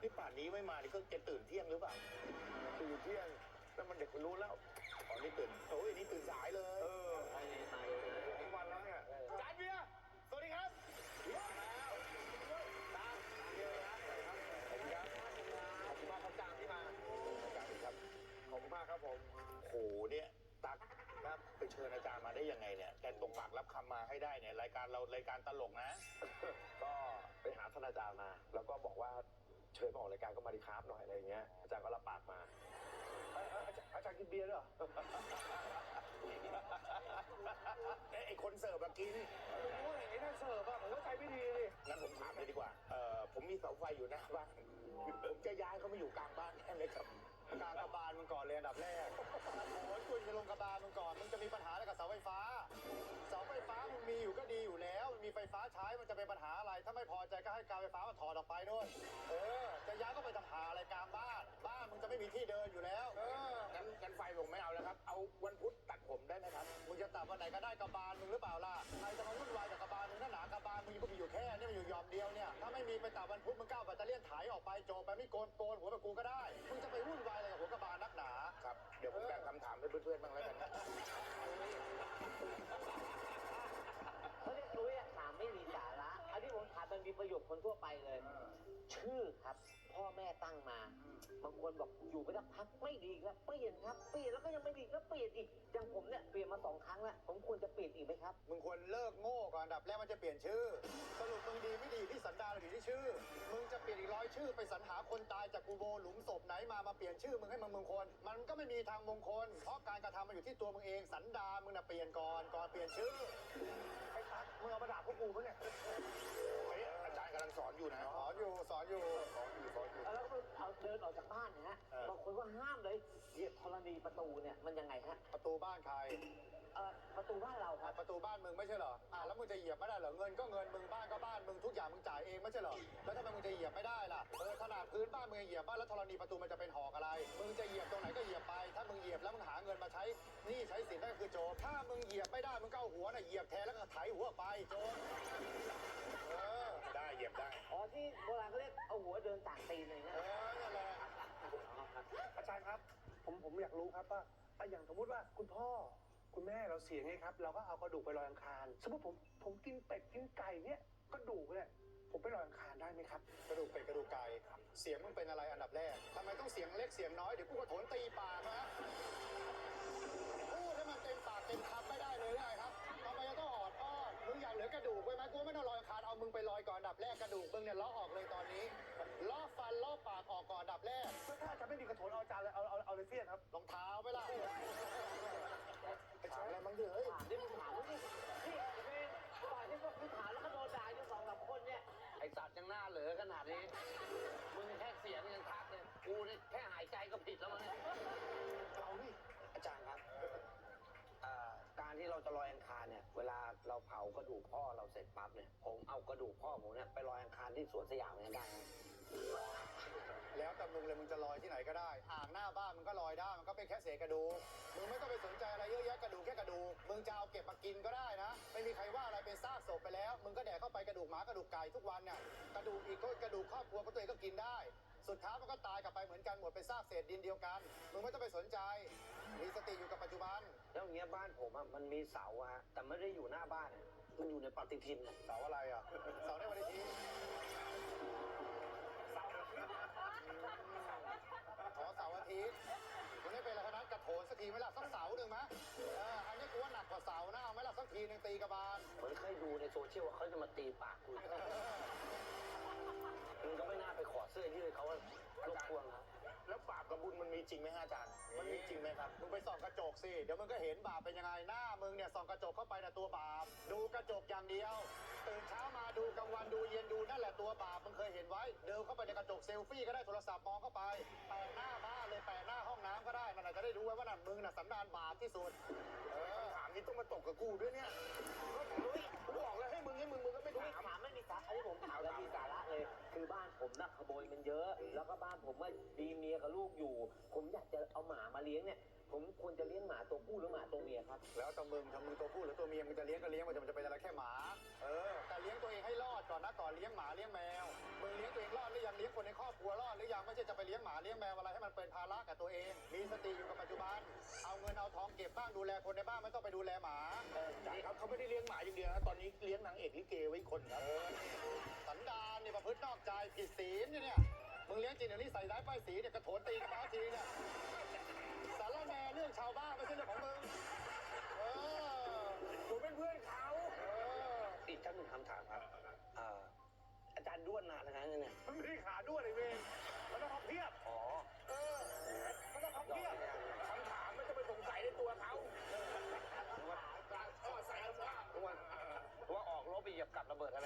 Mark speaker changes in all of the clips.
Speaker 1: นี่ป่านนี้ไม่มานี่ก็จะตื่นเที่ยงหรือเปล่า
Speaker 2: ตื่นเที่ยงแล้วมันเด็กมันรู้แล้ว
Speaker 1: อ๋อนี่ตื่นโอ้ยนี่ตื่นสายเลย
Speaker 2: ทุกวันแล้วเนี่ย
Speaker 1: จานเบียร์สวัสดีครับตามเบียร์นะขอบคุณครับขอบคุณมากครับจานที่มาจานครับ
Speaker 2: ขอบคุณมากครับผม
Speaker 1: โหเนี่ยตั๊กครับไปเชิญอาจารย์มาได้ยังไงเนี่ยแกตรงปากรับคำมาให้ได้เนี่ยรายการเรารายการตลกนะ
Speaker 2: ก็ไปหาท่านอาจารย์มา แล้วก็บอกว่าเชิญมาออกรายการก็มาดีครับหน่อยอะไรอย่างเงี้ยอาจารย์ก็รับปากมาอาจารย์กินเบียร์ด้วยเหรอ
Speaker 1: ไอ้คนเสิร์ฟกิน
Speaker 2: โอ้ยไอ้นั่นเสิร์ฟอะผมก็ใจไม่ดีเลย
Speaker 1: งั้นผมถามเลยดีกว่าผมมีเสาไฟอยู่หน้าบ้านผมจะย้ายเขามาอยู่กลางบ้านแค่ไหมครับ
Speaker 3: กลางกระบาลมึงก่อนเลยอันดับแรกโอ้ยคุณจะลงกระบาลมึงก่อน มึงจะมีปัญหาอะไรกับเสาไฟฟ้า เสาไฟฟ้ามึงมีอยู่ก็ดีอยู่แล้วมันมีไฟฟ้าใช้ มันจะเป็นปัญหาอะไร ถ้าไม่พอใจก็ให้การไฟฟ้ามาถอดออกไปด้วยจะย้ายก็ไปทำหาอะไรกลางบ้าน บ้านมึงจะไม่มีที่เดินอยู่แล้ว
Speaker 1: งั้นไฟผมไม่เอาแล้วครับ เอาวันพุธตัดผมได้ไหมครับ
Speaker 3: มึงจะตัดวันไหนก็ได้กระบาลมึงหรือเปล่าล่ะ ใครจะมาวุ่นวายกับกระบาลมึงถ้าหนากระบาลมึงก็มีอยู่แค่นี่มันอยู่ยอมเดียวเนี่ย ถ้าไม่มีไปตัดวันพุธมึงก้าวแบตเตอรี่ถ่ายออกไปโจไปไม่โกนหัวแบบกูก็ได้ มึงจะไปวุ่นวายอะไรกับหัวกระบาลนักหนา
Speaker 1: ครับ เดี๋ยวผมแบ่งคำถามให้เพื่อนๆบ้างแล้วกันนะ
Speaker 4: เขาเรียกนุ้ยถามไม่มีสาระอันที่ผมถามมันมีประโยชน์คนทั่วไปเลย ชื่อครับ พ่อแม่ตั้งมา บางคนบอกอยู่ไปสักพักไม่ดีครับเปลี่ยนครับเปลี่ยนแล้วก็ยังไม่ดีก็เปลี่ยนอีกอย่างผมเนี่ยเปลี่ยนมา2 ครั้งแล้วผมควรจะเปลี่ยนอีกไหมครับ
Speaker 3: มึงควรเลิกโง่ก่อนอันดับแรกมันจะเปลี่ยนชื่อ สรุปมึงดีไม่ดีที่สันดานหรือที่ชื่อ มึงจะเปลี่ยนอีก100 ชื่อไปสรรหาคนตายจากกูโบหลุมศพไหนมาเปลี่ยนชื่อมึงให้มึงมงคล มันก็ไม่มีทางมงคล เพราะการกระทำมันอยู่ที่ตัวมึงเองสันดานมึงน่ะเปลี่ยนก่อนเปลี่ยนชื่อ
Speaker 2: ไอ้ตั๊กมึงเอามาด่าพวกกูปะเนี่ย
Speaker 1: เฮ้ยอาจารย์กำลังสอนอยู่นะ
Speaker 3: สอนอยู่
Speaker 4: แล้วก็เอาเดินออกจากบ้านนะฮะบางคนก็ห้ามเลยเหยียบธรณีประตูเนี่ยมันยังไงฮะ
Speaker 3: ประตูบ้านใคร
Speaker 4: ประตูบ้านเราครับ
Speaker 3: ประตูบ้านมึงไม่ใช่เหรอแล้วมึงจะเหยียบไม่ได้เหรอเงินก็เงินมึงบ้านก็บ้านมึงทุกอย่างมึงจ่ายเองไม่ใช่เหรอแล้วทำไมมึงจะเหยียบไม่ได้ล่ะขนาดพื้นบ้านมึงยังเหยียบบ้านแล้วธรณีประตูมันจะเป็นหอกอะไรมึงจะเหยียบตรงไหนก็เหยียบไปถ้ามึงเหยียบแล้วมึงหาเงินมาใช้หนี้ใช้สินได้คือโจรถ้ามึงเหยียบไม่ได้มึงก็เอาหัวน่ะเหยียบแทนแล้วก็ไถหัวไปโจร
Speaker 1: ได้เหยียบได้
Speaker 4: อ๋อที่โบราณเขาเรียกเอาหัวเดินต่างตีนเลยนะ
Speaker 3: นั่นแหละ
Speaker 2: อาจารย์ครับผมอยากรู้ครับว่าอย่างสมมติว่าคุณพ่อคุณแม่เราเสียไงครับเราก็เอากระดูกไปลอยอังคารสมมติผมกินเป็ดกินไก่เนี่ยกระดูกเนี่ยผมไปลอยอังคารได้ไหมครับ
Speaker 3: กระดูกเป็ดกระดูกไก่เสียงมึงเป็นอะไรอันดับแรกทำไมต้องเสียงเล็กเสียงน้อยเดี๋ยวกูก็โถนตีปากนะพูดให้มันเต็มปากเต็มคำไม่ได้เลยได้ครับทำไมจะต้องออดอ้อนมึงอยากเหลือกระดูกไว้ไหมกูไม่ต้องลอยอังคารเอามึงไปลอยก่อนอันดับแรกกระดูกมึงเนี่ยล้อออกเลยตอนนี้ล้อฟันล้อปากออกก่อนอันดับแรก
Speaker 2: แล้วถ้าอาจารย์ไม่มีกระโถนเอาอาจารย์เลยเอาเลยเสี้ยนครับ
Speaker 3: รองเท้าไหมล่ะ
Speaker 1: ไปถามอะไรบ้างดิเฮ้ย
Speaker 4: ถามดิมึงถามดิพี่ปล่อยให้พวกคุณถามแล้วก็โดนด่าอยู่2-3 คนเนี่ย
Speaker 5: ไอสัตว์ยังหน้าเหลือขนาดนี้ มึงแค่เสียงยังทักเลย กูนี่แค่หายใจก็ผิดแล้วมั้งเนี่ย
Speaker 1: เรานี่
Speaker 5: อาจารย์ครับการที่เราจะลอยอังคารเนี่ย เวลาเราเผากระดูกพ่อเราเสร็จปั๊บเนี่ย ผมเอากระดูกพ่อผมเนี่ยไปลอยอังคารที่สวนสยามเนี่ยได้ไหม
Speaker 3: แล้วแต่มึงเลยมึงจะลอยที่ไหนก็ได้อ่างหน้าบ้านมึงก็ลอยได้มันก็เป็นแค่เศษกระดูกมึงไม่ต้องไปสนใจอะไรเยอะแยะกระดูกแค่กระดูกมึงจะเอาเก็บมากินก็ได้นะไม่มีใครว่าอะไรเป็นซากศพไปแล้วมึงก็แดกเข้าไปกระดูกหมากระดูกไก่ทุกวันเนี่ยกระดูกอีกก็กระดูกครอบครัวก็ตัวเองก็กินได้สุดท้ายมันก็ตายกลับไปเหมือนกันหมดเป็นซากเศษดินเดียวกันมึงไม่ต้องไปสนใจมีสติอยู่กับปัจจุบัน
Speaker 5: แล้วอย่างเงี้ยบ้านผมอะมันมีเสาอะฮะ แต่ไม่ได้อยู่หน้าบ้านอะมันอยู่ในปฏิทินอะ
Speaker 3: เสาอะไรอ่ะเสาในวันอาทิตย์ขอเสาร์อาทิตย์มันไม่เป็นอะไรทั้งนั้นกระโถนสักทีไหมล่ะสักเสาหนึ่งไหมอันนี้กูว่าหนักกว่าเสานะเอาไหมล่ะสักทีหนึ่งตีกระบาล
Speaker 5: เหมือนเคยดูในโซเชียลว่าเขาจะมาตีปากกูมึงก็ไม่น่าไปขอเสื้อยืดเขารบกวนครับ
Speaker 1: แล้วบาปกับบุญมันมีจริงไหมฮะอาจารย์ มันมีจริงไหมครับ
Speaker 3: มึงไปส่องกระจกสิเดี๋ยวมึงก็เห็นบาปเป็นยังไงหน้ามึงเนี่ยส่องกระจกเข้าไปนะตัวบาปดูกระจกอย่างเดียวตื่นเช้ามาดูกลางวันดูเย็นดูนั่นแหละตัวบาปมึงเคยเห็นไว้เดินเข้าไปในกระจกเซลฟี่ก็ได้โทรศัพท์มองเข้าไปแปะหน้าบ้านเลยแปะหน้าห้องน้ำก็ได้มันอาจจะได้รู้ไว้ว่านั่นมึงน่ะสันดานบาปที่สุด
Speaker 1: ถามนี้ต้องมาตกกับกูด้วยเนี่ยกูบอกแล้วให้มึงก็ไม่
Speaker 4: ไม่
Speaker 1: ถาม
Speaker 4: ถามไม่มีสาระอันนี้ผมถามแล้วมีสาระเลย คือบ้านผมน่ะขโมยมันเยอะ แล้วก็บ้านผมว่ามีเมียกับลูกอยู่ ผมอยากจะเอาหมามาเลี้ยงเนี่ย ผมควรจะเลี้ยงหมาตัวผู้หรือหมาตัวเมียครับ
Speaker 3: แล้วแต่มึงทำมึงตัวผู้หรือตัวเมียมึงจะเลี้ยงก็เลี้ยงมันจะเป็นอะไรแค่หมาแต่เลี้ยงตัวเองให้รอดก่อนนะก่อนเลี้ยงหมาเลี้ยงแมวมึงเลี้ยงตัวเองรอดหรือยังเลี้ยงคนในครอบครัวรอดหรือเลี้ยงหมาเลี้ยงแมวอะไรให้มันเป็นภาระกับตัวเอง มีสติอยู่กับปัจจุบัน เอาเงินเอาทองเก็บบ้างดูแลคนในบ้านไม่ต้องไปดูแลหมา
Speaker 1: อาจารย์ครับเขาไม่ได้เลี้ยงหมาอย่างเดียวนะตอนนี้เลี้ยงนางเอกลิเกไว้อีกคนครับ
Speaker 3: สันดานเนี่ยประพฤตินอกใจผิดศีลเนี่ยมึงเลี้ยงจริงเดี๋ยวนี้ใส่ร้ายป้ายสีเนี่ยกระโถนตีกระเป๋าทีเนี่ยสารแหน่เรื่องชาวบ้านไม่ใช่เรื่องของมึงผมเป็นเพื่อนเขา
Speaker 5: อีกท่านหนึ่งคำถามครับอาจารย์ด้วนนานนะครับเนี่ย
Speaker 2: มันไม่ได้ขาด้วนเลยเวรมันต้องพับเพียบ
Speaker 5: อ๋อ
Speaker 2: มันต้องพับเพียบ
Speaker 1: คำถามไม่ต้องไปสงสัยในตัวเขา
Speaker 5: ใส่ว่าออกรบไปเหยียบกับระเบิดอะไร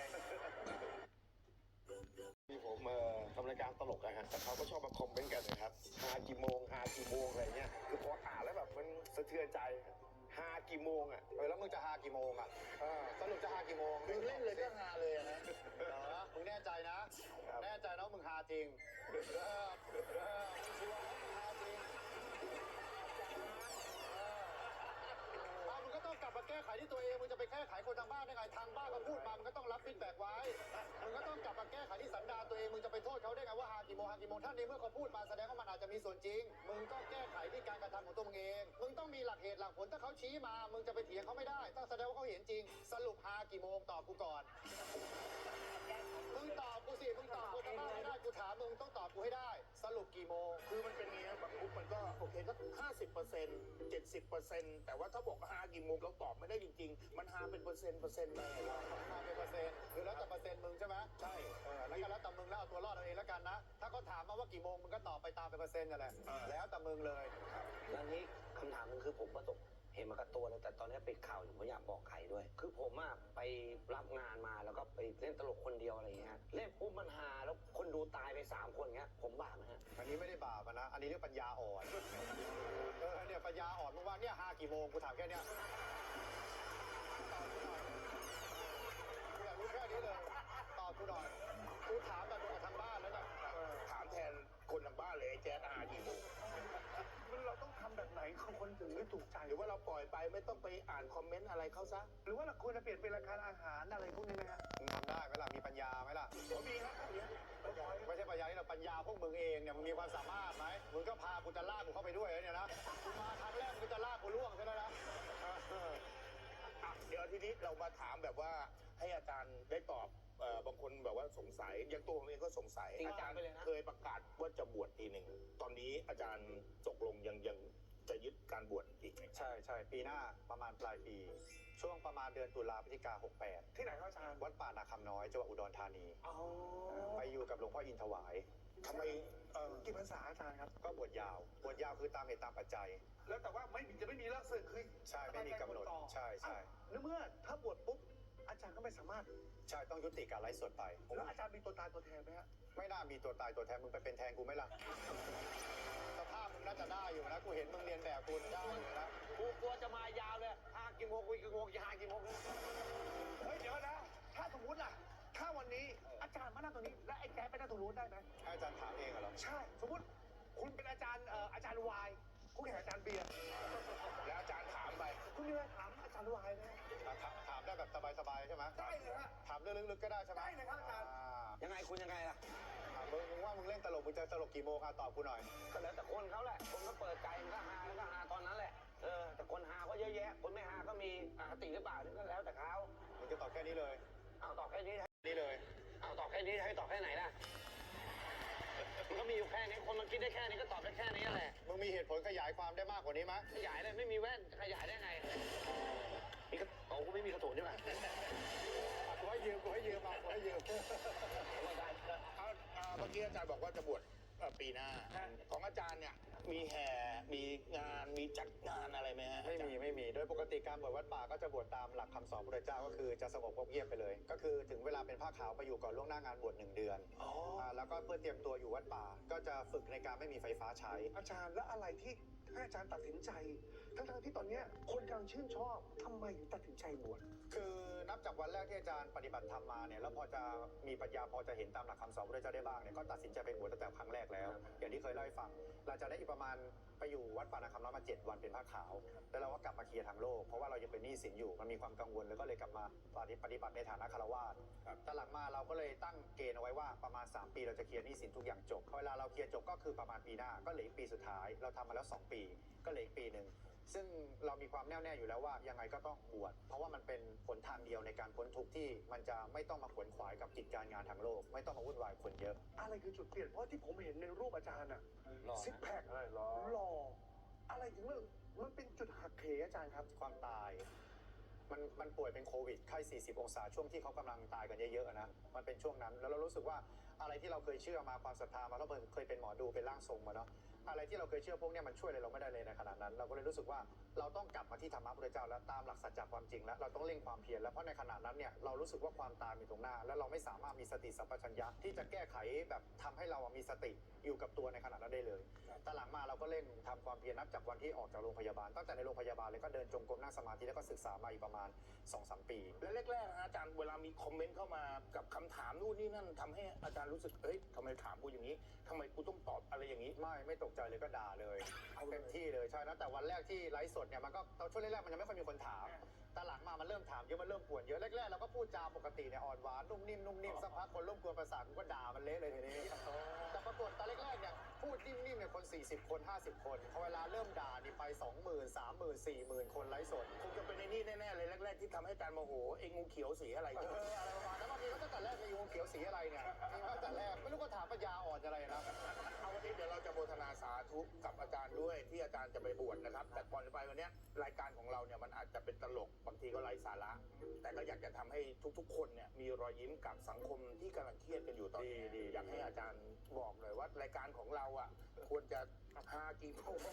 Speaker 6: ที่ผมทำรายการตลกอะฮะแต่เขาก็ชอบมาคอมเมนต์กันนะครับหากี่โมงอะไรเงี้ยคือพออ่านแล้วแบบมันสะเทือนใจหากี่โมงอะ
Speaker 3: แล้วมึงจะหากี่โมงอ่ะสรุปจะหากี่โมง
Speaker 1: มึงเล่นเลยก็ฮาเลยนะ
Speaker 3: เหรอมึงแน่ใจนะ แน่ใจนะว่ามึงหาจริงมึงชัวร์นะมึงหาจริงมึงก็ต้องกลับมาแก้ไขที่ตัวเองมึงจะไปแก้ไขคนทางบ้านได้ไงทางบ้านเขาพูดมามึงก็ต้องรับฟีดแบ็กไว้มึงก็ต้องกลับมาแก้ไขที่สันดานตัวเองมึงจะไปโทษเขาได้ไงว่าหากี่โมงถ้าในเมื่อเขาพูดมาแสดงว่ามันอาจจะมีส่วนจริงมึงก็แก้ไขที่การกระทำของตัวมึงเองมึงต้องมีหลักเหตุหลักผลถ้าเขาชี้มามึงจะไปเถียงเขาไม่ได้ต้องแสดงว่าเขาเห็นจริง สรุปหากี่โมงตอบกูก่อนมึงตอบกูสิมึงตอบกูทางบ้านไม่ได้กูถามมึงต้องตอบกูให้ได้ สรุปกี่โมง
Speaker 1: คือมันเป็นอย่างนี้บางมุกมันก็โอเคก็50% 70%แต่ว่าถ้าบอกฮากี่โมงเราตอบไม่ได้จริงๆ มันฮาเป็นเปอร์เซ็นต์ไปเรา
Speaker 3: มาเป็นเปอร์เซ็นต์คือแล้วแต่เปอร์เซ็นต์มึงใช่ไหม
Speaker 1: ใช่
Speaker 3: แล้วก็แล้วแต่มึงแล้วเอาตัวรอดเอาเองแล้วกันนะ ถ้าเขาถามมาว่ากี่โมงมึงก็ตอบไปตามเป็นเปอร์เซ็นต์นั่นแหละแล้วแต่มึงเลย
Speaker 5: แล้วนี้คำถามหนึงคือผมประสบเห็นมากับตัวเลยแต่ตอนนี้ปิดข่าวอยู่ไม่อยากบอกใครด้วย คือผมอะไปรับงานมาแล้วก็ไปเล่นตลกคนเดียวอะไรอย่างเงี้ยเล่นปุ๊บมันฮาแล้วคนดูตายไป3 คนเงี้ยผมบาปไหมฮะ
Speaker 3: อันนี้ไม่ได้บาปอะนะ อันนี้เรียกปัญญาอ่อนเนี่ยปัญญาอ่อนมึงว่าเนี่ยหากี่โมงกูถามแค่เนี้ยตอบกูหน่อยอยากรู้แค่นี้เลยตอบกูหน่อยกูถามแบบกับทางบ้านแล้วเนี่ย
Speaker 1: ถามแทนคนทางบ้านเลยไอ้แจ๊ดฮากี่โมง
Speaker 2: มันเราต้องทำแบบไหนคนถึงจะถูกใจ
Speaker 1: หรือว่าเราปล่อยไปไม่ต้องไปอ่านคอมเมนต์อะไรเขาซะ
Speaker 2: หรือว่าเราควรจะเปลี่ยนเป็นรายการอาหารอะไรพวกนี้ไหมฮะ
Speaker 3: มึงทำได้ไหมล่ะมีปัญญาไหมล่ะ
Speaker 1: ผมมีครับผมมี
Speaker 3: ไม่ใช่ปัญญาที่เราปัญญาพวกมึงเองเนี่ยมึงมีความสามารถไหมมึงก็พากูจะลากกูเข้าไปด้วยเนี่ยนะกูมาครั้งแรกมึงก็จะลากกูล่วงใช่ไหมนะ
Speaker 1: อ่ะเดี๋ยวทีนี้เรามาถามแบบว่าให้อาจารย์ได้ตอบบางคนแบบว่าสงสัยอย่างตัวผมเองก็สงสัย
Speaker 5: จริง
Speaker 1: อาจารย์
Speaker 5: ไปเลยนะ
Speaker 1: เคยประกาศว่าจะบวชทีหนึ่งตอนนี้อาจารย์ตกลงยังจะยึดการบวชอีกไหม
Speaker 3: ใช่ปีหน้าประมาณปลายปี ช่วงประมาณเดือนตุลาพฤศจิกา68
Speaker 2: ที่ไหนครับอาจารย์
Speaker 3: วัดป่านาคำน้อยจังหวัดอุดรธานี
Speaker 2: อ๋อ
Speaker 3: ไปอยู่กับหลวงพ่ออินถวาย
Speaker 1: ทำไม
Speaker 2: กี่พรรษาอาจารย์ครับ
Speaker 3: ก็บวชยาวคือตามเหตุตามปัจจัย
Speaker 2: แล้วแต่ว่าจะไม่มีเลิกศึกคือ
Speaker 3: ใช่ไม่มีกำหนดใช่
Speaker 2: แล้วเมื่อถ้าบวชปุ๊บอาจารย์ก็ไม่สามารถ
Speaker 3: ใช่ต้องยุติการไลฟ์สดไป
Speaker 2: แล้วอาจารย์มีตัวตายตัวแทนไหมฮะ
Speaker 3: ไม่น่ามีตัวตายตัวแทนมึงไปเป็นแทนกูไหมล่ะสภาพมึงน่าจะได้อยู่นะกูเห็นมึงเรียนแบบกูได้อยู่นะ
Speaker 5: กูกลัวจะมายาวเลยหากี่โมงจะหากี่โมง
Speaker 2: เฮ้ยเดี๋ยวนะ ถ้าสมมติล่ะ ถ้าวันนี้อาจารย์มานั่งตรงนี้ และไอ้แจ๊คไปนั่งตรงนู้นได้ไหม
Speaker 3: ให้อาจารย์ถามเองเหรอ
Speaker 2: ใช่ สมมติคุณเป็นอาจารย์อาจารย์วายคู่แข่งอาจารย์เบียร์
Speaker 1: แล้วอาจารย์ถามไป
Speaker 2: คุณมีอะไรถามอาจารย์วายไหม
Speaker 3: ถามได้แบบสบายๆใช่ไหม
Speaker 2: ได้เลยฮะ
Speaker 3: ถามเรื่องลึกๆก็ได้ใช่ไหม
Speaker 2: ได้เลยครับอาจารย์
Speaker 5: ยังไงคุณยังไงล่ะ
Speaker 3: มึงว่ามึงเล่นตลกมึงจะตลกกี่โมงตอบกูหน่อย
Speaker 5: ก็แล้วแต่คนเขาแหละ คนก็เปิดใจมันก็ฮาแล้วก็ฮาตอนนั้นแหละ แต่คนฮาก็เยอะแยะ คนไม่ฮาก็มีอคติหรือเปล่านี่ก็แล้วแต่เขา
Speaker 3: มึงจะตอบแค่นี้เลย
Speaker 5: เอาตอบแค่นี้
Speaker 3: นี่เลย
Speaker 5: เอาตอบแค่นี้ให้ตอบแค่ไหนล่ะ มันก็มีอยู่แค่นี้ คนมันคิดได้แค่นี้ก็ตอบได้แค่นี้แหละ
Speaker 3: มึงมีเหตุผลขยายความได้มากกว่านี้ไหม
Speaker 5: ขยายเลยไม่มีแว่นขยายได้ไง มีกระโอ้กูไม่มีกระโถนนี่หว่า
Speaker 3: กูให้ยืมกูให้ยืม
Speaker 1: เอาเมื่อกี้อาจารย์บอกว่าจะบวชปีหน้า ของอาจารย์เนี่ยมีแห่มีงานมีจัดงานอะไรไหมฮะ
Speaker 3: ไม่มี โดยปกติการบวชวัดป่าก็จะบวชตามหลักคำสอนพระเจ้าก็คือจะสงบเงียบไปเลย ก็คือถึงเวลาเป็นผ้าขาวไปอยู่ก่อนล่วงหน้างานบวช1 เดือนแล้วก็เพื่อเตรียมตัวอยู่วัดป่า ก็จะฝึกในการไม่มีไฟฟ้าใช้
Speaker 2: อาจารย์แล้วอะไรที่ให้อาจารย์ตัดสินใจ ทั้งที่ตอนเนี้ยคนกำลังชื่นชอบทำไมถึงตัดสินใจบวช
Speaker 3: คือนับจากวันแรกที่อาจารย์ปฏิบัติธรรมมาเนี่ยแล้วพอจะมีปัญญาพอจะเห็นตามหลักคำสอนพระเจ้าได้บ้างเนี่ยก็ตัดสินใจไปบวชตั้งแต่ครั้งแรกกแล้ว อย่างที่เคยเล่าให้ฟังหลังจากนั้นอีกประมาณไปอยู่วัดป่านาคำน้อยมา7 วันเป็นผ้าขาว แล้วเราก็กลับมาเคลียร์ทางโลกเพราะว่าเรายังเป็นหนี้สินอยู่มันมีความกังวลแล้วก็เลยกลับมาปฏิบัติในฐานะคารวาสแต่หลังมาเราก็เลยตั้งเกณฑ์เอาไว้ว่าประมาณ3 ปีเราจะเคลียร์หนี้สินทุกอย่างจบเวลาเราเคลียร์จบก็คือประมาณปีหน้าก็เหลืออีกปีสุดท้ายเราทำมาแล้ว2 ปีก็เหลืออีกปีหนึ่งซึ่งเรามีความแน่วแน่อยู่แล้วว่ายังไงก็ต้องบวชเพราะว่ามันเป็นหนทางเดียวในการพ้นทุกข์ที่มันจะไม่ต้องมาขวนขวายกับกิจการงานทางโลกไม่ต้องมาวุ่นวายคนเยอะ
Speaker 2: อะไรคือจุดเปลี่ยนเพราะที่ผมเห็นในรูปอาจารย์อะ
Speaker 6: หล่อนะ
Speaker 2: ซิกแพคหล่ออะไรถึงมันเป็นจุดหักเหอาจารย์ครับ
Speaker 3: ความตายมันป่วยเป็นโควิดไข้40 องศาช่วงที่เขากำลังตายกันเยอะๆนะมันเป็นช่วงนั้นแล้วเรารู้สึกว่าอะไรที่เราเคยเชื่อมาความศรัทธามาแล้วเคยเป็นหมอดูเป็นร่างทรงมาเนาะอะไรที่เราเคยเชื่อพวกเนี้ยมันช่วยอะไรเราไม่ได้เลยในขณะนั้น เราก็เลยรู้สึกว่าเราต้องกลับมาที่ธรรมะพุทธเจ้าแล้วตามหลักสัจจะความจริงแล้วเราต้องเร่งความเพียรแล้วเพราะในขณะนั้นเนี่ยเรารู้สึกว่าความตายมีตรงหน้า แล้วเราไม่สามารถมีสติสัมปชัญญะที่จะแก้ไขแบบทำให้เรามีสติอยู่กับตัวในขณะนั้นได้เลยแต่หลังมาเราก็เร่งทำความเพียรนับจากวันที่ออกจากโรงพยาบาลตั้งแต่ในโรงพยาบาลเลยก็เดินจงกรมนั่งสมาธิแล้วก็ศึกษามาอีกประมาณ 2-3 ปี
Speaker 1: และแรกๆนะอาจารย์เวลามีคอมเมนต์เข้ามากับคำถามนู่นนี่นั่นทำให้อาจารย์รู้สึกเอ้ยทำไมถามกูอย่างนี้ทำไมกูต้องตอบอะไรอย่างนี้
Speaker 3: ไม่ตกใจเลยก็ด่าเลยเอาเต็มที่เลยใช่นะแต่วันแรกที่ไลฟ์สดเนี่ยมันก็ตอนช่วงแรกๆมันยังไม่ค่อยมีคนถามแต่หลังมามันเริ่มถามเยอะมันเริ่มป่วนเยอะแรกๆเราก็พูดจาปกติเนี่ยอ่อนหวานนุ่มนิ่มสักพักคนร่วมกวนประสาทกูก็ด่ามันเละเลยทีนี้แต่ปรากฏตอนแรกๆเนี่ยพูดนิ่มๆเนี่ยคน40 คน50 คนพอเวลาเริ่มด่านี่ไป 20,000 30,000 40,000 คนไลฟ์สด
Speaker 1: คงจะเป็นในนี่แน่ๆเลยแรกๆที่ทำให้อาจารย์โมโหไอ้งูเขียวสีอะไร
Speaker 3: อะไรประมาณนั้นบางทีก็ตั้งแต่แรกในยูงเขียวสีอะไรเนี่ยมีมาตั้งแต่แรกไม่รู้ก็ถามปัญญาอ่อนอะไรนะ
Speaker 1: เอาวันนี้เดี๋ยวเราจะโมทนาสาธุกับอาจารย์ด้วยที่อาจารย์จะไปบวชนะครับแต่ก่อนจะไปวันเนี้ยรายการของเราเนี่ยมันอาจจะเป็นตลกบางทีก็ไร้สาระแต่ก็อยากจะทำให้ทุกๆคนเนี่ยมีรอยยิ้มกับสังคมที่กำลังเครียดกันอยู่ตอนนี้
Speaker 3: ดี
Speaker 1: อยากให้อาจารย์บอกหน่อยว่ารายการของเราอ่ะควรจะฮากี่โมง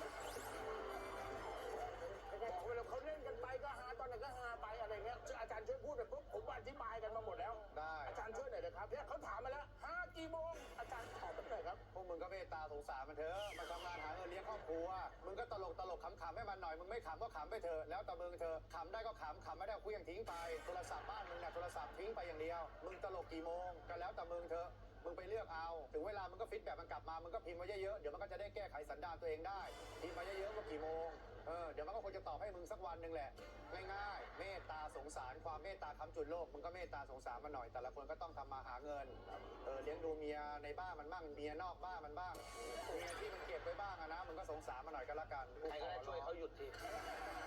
Speaker 1: บอกเวลาเขาเล่นกันไปก็ฮาตอนไหนก็ฮาไปอะไรเงี้ยอาจารย์ช่วยพูดหน่อยปุ๊บผมอธิบายกันมาหมดแล้ว
Speaker 3: ได้
Speaker 1: อาจารย์ช่วยหน่อยนะครับเนี่ยเขาถามมาแล้วฮากี่โมงอาจารย์ตอบมาหน่อยครับ
Speaker 3: พวกมึงก็เมตตาสงสารมันเถอะมันทำงานหาเงินเลี้ยงครอบครัวมึงก็ตลกขำๆให้มันหน่อยมึงไม่ขำก็ขำไปเถอะแล้วแต่มึงเถอะขำได้ก็ขำไม่ได้ก็เคลื่อนทิ้งไปโทรศัพท์บ้านมึงเนี่ยโทรศัพท์ทิ้งไปอย่างเดียวมึงตลกกี่โมงก็แล้วแต่มึงเถอะมึงไปเลือกเอาถึงเวลามึงก็ฟีดแบ็กมันกลับมามึงก็พิมพ์มาเยอะๆเดี๋ยวมันก็จะได้แก้ไขสันดานตัวเองได้พิมพ์มาเยอะๆว่ากี่โมงเดี๋ยวมันก็คงจะตอบให้มึงสักวันหนึ่งแหละง่ายๆเมตตาสงสารความเมตตาค้ำจุนโลกมึงก็เมตตาสงสารมันหน่อยแต่ละคนก็ต้องทำมาหาเงินเลี้ยงดูเมียในบ้านมันบ้างเมียนอกบ้านมันบ้างเมียที่มันเก็บไว้บ้างอะนะมึงก็สงสารมันหน่อยก็แล้วกัน
Speaker 4: ใครก็ได้ช่วยเขาหยุดที